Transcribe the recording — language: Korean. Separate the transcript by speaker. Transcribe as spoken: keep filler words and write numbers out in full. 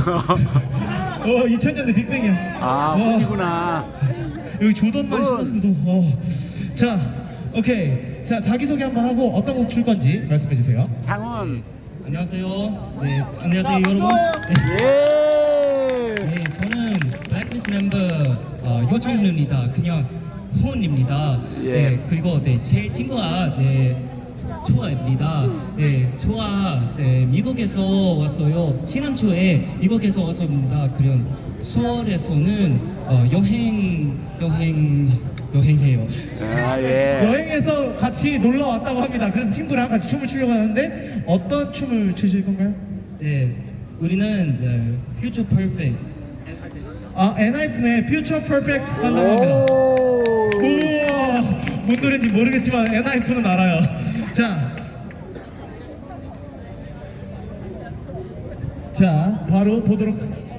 Speaker 1: 어, 이천 년대 빅뱅이야.
Speaker 2: 아,
Speaker 1: 와,
Speaker 2: 팬이구나.
Speaker 1: 여기 조던만
Speaker 2: 어.
Speaker 1: 신었어도. 어. 자, 오케이. 자, 자기소개 한번 하고 어떤 곡 출 건지 말씀해 주세요.
Speaker 2: 장훈.
Speaker 3: 안녕하세요. 네, 안녕하세요 여러분. 네,
Speaker 2: 예.
Speaker 3: 네, 저는 블랙리스트 멤버 어, 요정입니다. 그냥 혼입니다.
Speaker 2: 예.
Speaker 3: 네, 그리고 네, 제 친구가 네, 초아입니다. 네, 초아 네, 미국에서 왔어요. 지난주에 미국에서 왔습니다. 그런 수월에서는 어, 여행 여행 여행해요.
Speaker 2: 아, 예.
Speaker 1: 여행에서 같이 놀러 왔다고 합니다. 그래서 친구랑 같이 춤을 추려고 하는데 어떤 춤을 추실 건가요?
Speaker 3: 네, 우리는 네, Future Perfect.
Speaker 1: 아, 엔하이픈의 Future Perfect 한다고 합니다.
Speaker 2: 오.
Speaker 1: 우와, 뭔 노래인지 모르겠지만 엔하이픈은 알아요. 자, 자, 바로 보도록.